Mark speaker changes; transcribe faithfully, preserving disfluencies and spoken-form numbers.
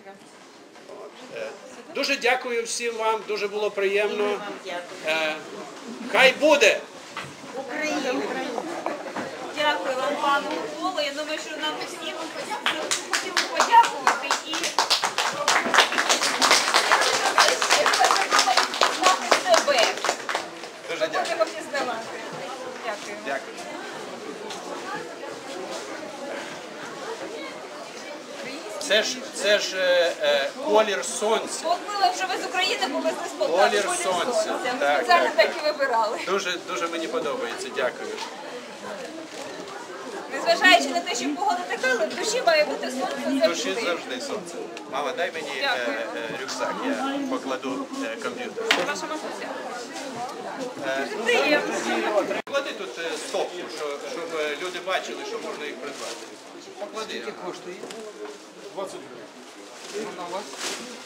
Speaker 1: Дуже дякую всім вам, дуже було приємно. Хай буде!
Speaker 2: Україна! Дякую вам, пане Миколо. Я думаю, що нам всім хотіли подякувати і знати себе.
Speaker 1: Дуже дякую.
Speaker 2: Будемо пізнавати. Дякую.
Speaker 1: Дякую. Це ж, це ж е, е, колір сонця.
Speaker 2: От мило, що ви з України повезли з Полтави.
Speaker 1: Колір сонця.
Speaker 2: Ми
Speaker 1: Так,
Speaker 2: спеціально
Speaker 1: так,
Speaker 2: так і вибирали.
Speaker 1: Дуже, дуже мені подобається. Дякую.
Speaker 2: Незважаючи на те, що погода така, але в душі має бути сонце
Speaker 1: В
Speaker 2: завжди.
Speaker 1: душі завжди сонце. Мама, дай мені е,
Speaker 2: Дякую.
Speaker 1: е, рюкзак, я покладу е, комп'ютер.
Speaker 2: Ваша матуся.
Speaker 1: Е, ну,
Speaker 2: Приємно.
Speaker 1: Поклади тут е, стопку, що, щоб е, люди бачили, що можна їх придбати. Поклади.
Speaker 3: Коштує? двадцять гривень. Вона у вас?